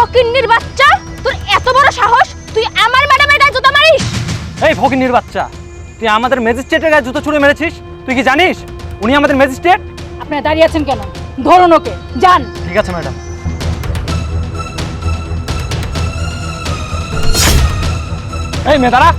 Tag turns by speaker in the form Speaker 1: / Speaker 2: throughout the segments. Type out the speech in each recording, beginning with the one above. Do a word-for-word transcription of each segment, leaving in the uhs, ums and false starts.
Speaker 1: ফকিন্নির বাচ্চা, তোর এত বড় সাহস তুই আমার ম্যাডামের গায়ে জুতা মারিস?
Speaker 2: এই ফকিন্নির বাচ্চা, তুই আমাদের ম্যাজিস্ট্রেটের গায়ে জুতো ছুঁড়ে মেরেছিস? তুই কি জানিস উনি আমাদের ম্যাজিস্ট্রেট?
Speaker 1: আপনারা দাঁড়িয়ে আছেন কেন? ধরুন ওকে, যান।
Speaker 2: ঠিক আছে ম্যাডাম। এই মেয়ে দাঁড়া।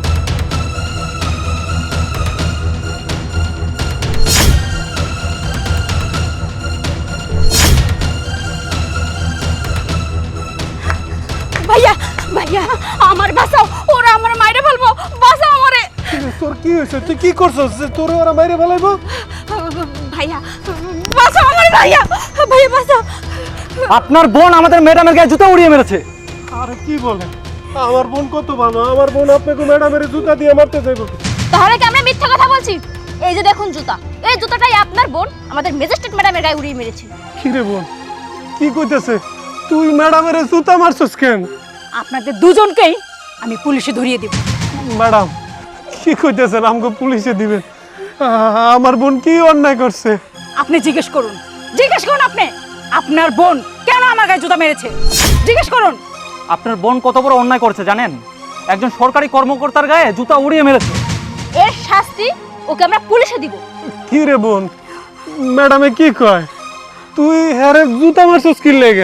Speaker 1: ভাইয়া ভাইয়া আমার বাঁচাও, ওরা আমার মাইরে ফেলবো, বাঁচাও আমারে।
Speaker 3: তোর কি হয়েছে? তুই কি করছস যে তোরে ওরা মাইরে ফেলাইবো?
Speaker 1: ভাইয়া বাঁচাও আমারে, ভাইয়া ভাইয়া বাঁচাও।
Speaker 2: আপনার বোন আমাদের ম্যাডামের গায়ে জুতো উড়িয়ে মেরেছে।
Speaker 3: আরে কি বলে? আমার বোন কত ভালো, আমার বোন আপনাকে ম্যাডামের জুতা দিয়ে মারতে যাইব।
Speaker 1: তাহলে কি আমরা মিথ্যা কথা বলছি? এই যে দেখুন জুতা, এই জুতাটাই আপনার বোন আমাদের ম্যাজিস্ট্রেট ম্যাডামের গায়ে উড়িয়ে মেরেছে।
Speaker 3: কি রে বোন, কি কইতেছে? তুই ম্যাডামের জুতা মারছস কেন?
Speaker 1: আপনাদের দুজনকেই আমি পুলিশে ধরিয়ে দিব।
Speaker 3: ম্যাডাম কি কইতেছেন? আমাকে পুলিশে দিবেন? আ- আমার বোন কি অন্যায় করছে?
Speaker 1: আপনি জিজ্ঞেস করুন, জিজ্ঞেস করুন আপনি, আপনার বোন কেন আমার গায়ে জুতা মেরেছে? জিজ্ঞেস করুন।
Speaker 2: আপনার বোন কত বড় অন্যায় করেছে জানেন? একজন সরকারি কর্মকর্তার গায়ে জুতা উড়িয়ে মেরেছে।
Speaker 1: এর শাস্তি ওকে আমরা পুলিশে দিব।
Speaker 3: কি রে বোন, ম্যাডামে কি কয়? তুই হ্যারে জুতা মারছস কি লেগে?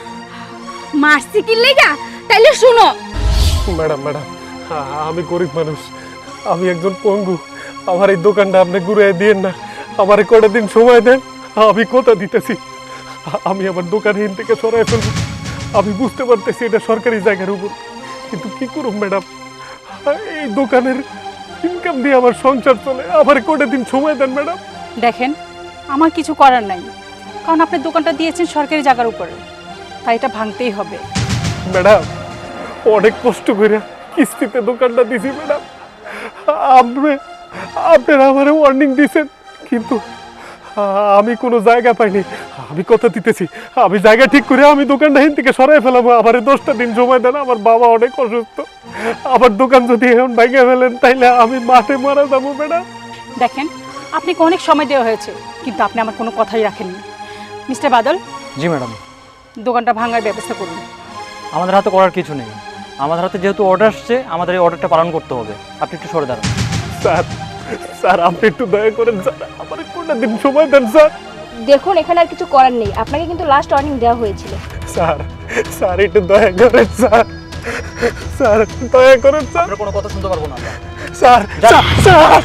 Speaker 1: মারছি কি লেগা? তাইলে শুনো।
Speaker 3: ম্যাডাম ম্যাডাম আ- আমি গরিব মানুষ, আমি একজন পঙ্গু, আমার এই দোকানটা আপনি ঘুরে দিয়েন না, আমার কটা দিন সময় দেন, আমি কথা দিতেছি, আ- আমি আমার দোকান হিন থেকে সরাই ফেলবো। আমি বুঝতে পারতেছি এটা সরকারি জায়গার উপর, কিন্তু কি করুম ম্যাডাম, এই দোকানের ইনকাম দিয়ে আমার সংসার চলে, আমার কটা দিন সময় দেন ম্যাডাম।
Speaker 4: দেখেন, আমার কিছু করার নাই, কারণ আপনি দোকানটা দিয়েছেন সরকারি জায়গার উপরে, তাই এটা ভাঙতেই হবে।
Speaker 3: ম্যাডাম অনেক কষ্ট করে কিস্তিতে দোকানটা দিছি ম্যাডাম, আপনি আপনারা আমার ওয়ার্নিং দিয়েছেন, কিন্তু আমি কোনো জায়গা পাইনি। আমি কথা দিতেছি, আমি জায়গা ঠিক করে আমি দোকানটা হিন থেকে সরাই ফেলাবো, আমার দশটা দিন সময় দেন, আমার বাবা অনেক অসুস্থ, আমার দোকান যদি এখন ভেঙে ফেলেন তাইলে আমি মাঠে মারা যাবো ম্যাডাম।
Speaker 4: দেখেন, আপনাকে অনেক সময় দেওয়া হয়েছে, কিন্তু আপনি আমার কোনো কথাই রাখেননি। মিস্টার বাদল,
Speaker 2: জি ম্যাডাম।
Speaker 4: দোকানটা ভাঙার ব্যবস্থা করুন।
Speaker 2: আমাদের হাতে করার কিছু নেই, আমাদের হাতে যেহেতু অর্ডার আসছে আমাদের এই অর্ডারটা পালন করতে হবে। আপনি একটু সরে দাঁড়ান।
Speaker 3: স্যার স্যার আপনি একটু দয়া করেন স্যার, আমার কোনটা দিন সময় দেন স্যার।
Speaker 1: দেখুন এখানে আর কিছু করার নেই, আপনাকে কিন্তু লাস্ট ওয়ার্নিং দেওয়া হয়েছিল।
Speaker 3: স্যার স্যার একটু দয়া করেন স্যার, স্যার দয়া করেন স্যার।
Speaker 2: আপনার কোনো কথা শুনতে পারবো না আমরা।
Speaker 3: স্যার স্যার স্যার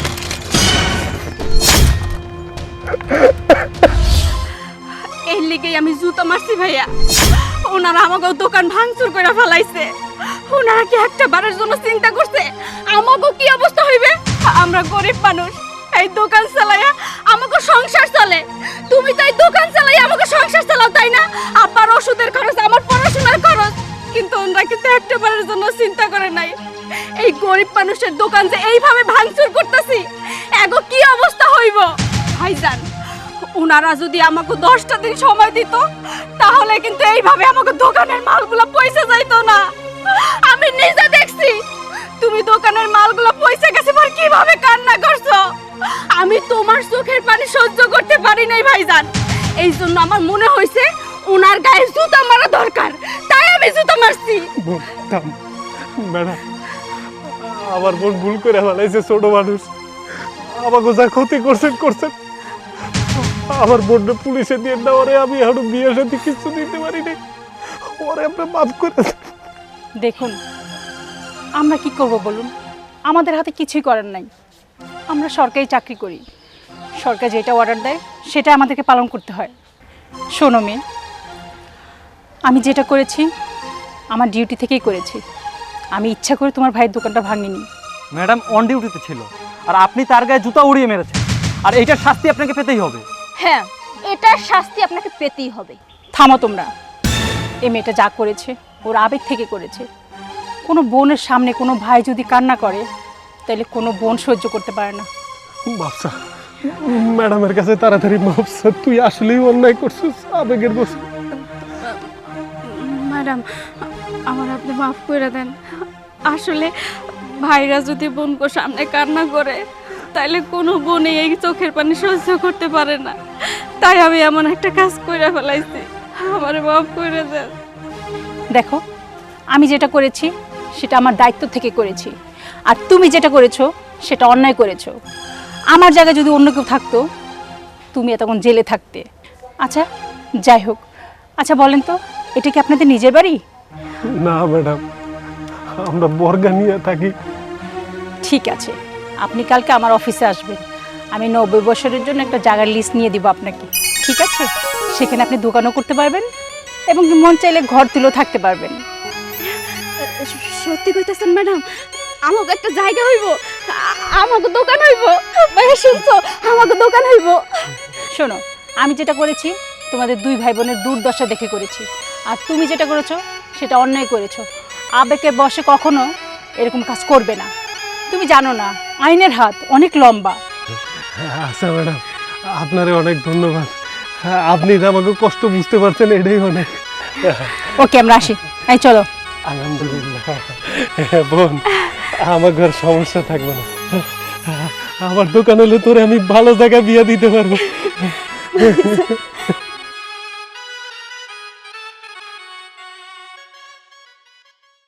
Speaker 1: এই লিগেই আমি জুতো মারছি ভাইয়া। ওনারা আমাকে দোকান ভাঙচুর করে ফেলাইছে। ওনারা কি একটা বারের জন্য চিন্তা করছে আমাকে কি অবস্থা হইবে? আমরা গরিব মানুষ, এই দোকান চালাইয়া আমাকে সংসার চলে। তুমি তো এই দোকান চালাইয়া আমাকে সংসার চালাও, তাই না? আব্বার ওষুধের খরচ, আমার পড়াশোনার খরচ, কিন্তু ওনারা কিন্তু একটা বারের জন্য চিন্তা করে নাই এই গরিব মানুষের দোকান যে এইভাবে ভাঙচুর করতেছি, এগো কি অবস্থা হইব। ভাইজান, উনারা যদি আমাকে দশটা দিন সময় দিত তাহলে কিন্তু এইভাবে আমাকে দোকানের মালগুলো পয়সা যাইতো না। আমি নিজে দেখছি তুমি দোকানের মালগুলো পয়সা গেছে পর কিভাবে কান্না করছো। আমি তোমার চোখের পানি সহ্য করতে পারি নাই ভাইজান, এই জন্য আমার মনে হয়েছে উনার গায়ে জুতা মারা দরকার, তাই আমি জুতা মারছি।
Speaker 3: বোন থাম, ম্যাডাম আমার বোন ভুল করে ফেলাইছে, ছোট মানুষ, আমাকে যা ক্ষতি করছেন করছেন, আমার বোনটা পুলিশে দিয়ে না, ওরে আমি এখন বিয়ের সাথে কিছু দিতে পারি নাই, ওরে আপনি মাফ করে দেন।
Speaker 4: দেখুন, আমরা কি করব বলুন, আমাদের হাতে কিছুই করার নাই। আমরা সরকারি চাকরি করি, সরকার যেটা অর্ডার দেয় সেটা আমাদেরকে পালন করতে হয়। শোনো মেয়ে, আমি যেটা করেছি আমার ডিউটি থেকেই করেছি, আমি ইচ্ছা করে তোমার ভাইয়ের দোকানটা ভাঙিনি।
Speaker 2: ম্যাডাম অন ডিউটিতে ছিল আর আপনি তার গায়ে জুতা উড়িয়ে মেরেছেন, আর এইটার শাস্তি আপনাকে পেতেই হবে।
Speaker 1: হ্যাঁ, এটার শাস্তি আপনাকে পেতেই হবে।
Speaker 4: থামো তোমরা, এই মেয়েটা যা করেছে ওর আবেগ থেকে করেছে। কোনো বোনের সামনে কোনো ভাই যদি কান্না করে তাহলে কোনো বোন সহ্য করতে পারে না।
Speaker 3: মাফসা, ম্যাডামের কাছে তাড়াতাড়ি মাফসা, তুই আসলেই অন্যায় করছিস, আবেগের বসে।
Speaker 5: ম্যাডাম, আমার আপনি মাফ করে দেন। আসলে ভাইরা যদি বোনকে সামনে কান্না করে তাইলে কোনো বোনই এই চোখের পানি সহ্য করতে পারে না, তাই আমি এমন একটা কাজ করে ফেলাইছি, আমারে মাফ করে দেন।
Speaker 4: দেখো, আমি যেটা করেছি সেটা আমার দায়িত্ব থেকে করেছি, আর তুমি যেটা করেছো সেটা অন্যায় করেছো। আমার জায়গায় যদি অন্য কেউ থাকতো তুমি এতক্ষণ জেলে থাকতে। আচ্ছা যাই হোক, আচ্ছা বলেন তো এটা কি আপনাদের নিজের বাড়ি?
Speaker 3: না ম্যাডাম, আমরা বর্গা নিয়ে থাকি।
Speaker 4: ঠিক আছে, আপনি কালকে আমার অফিসে আসবেন। আমি নব্বই বছরের জন্য একটা জায়গার লিস্ট নিয়ে দিব আপনাকে, ঠিক আছে? সেখানে আপনি দোকানও করতে পারবেন এবং কি মন চাইলে ঘর তুলেও থাকতে পারবেন।
Speaker 1: সত্যি কইতেছেন ম্যাডাম? আমাকে একটা জায়গা হইব, আ- আমাকে দোকান হইব? ভাইয়া শুনছো, আমাকে দোকান হইব?
Speaker 4: শোনো, আমি যেটা করেছি তোমাদের দুই ভাই বোনের দুর্দশা দেখে করেছি, আর তুমি যেটা করেছো সেটা অন্যায় করেছো। আবেগে বসে কখনো এরকম কাজ করবে না। তুমি জানো না আইনের হাত অনেক লম্বা।
Speaker 3: আচ্ছা ম্যাডাম, আপনারে অনেক ধন্যবাদ। আপনি যে আমাকে কষ্ট বুঝতে পারছেন, এটাই অনেক।
Speaker 4: ওকে আমরা আসি, এই চলো।
Speaker 3: আলহামদুলিল্লাহ। বোন, আমার ঘর সমস্যা থাকবে না। আমার দোকান হলে তোরে আমি ভালো জায়গায় বিয়ে দিতে পারবো।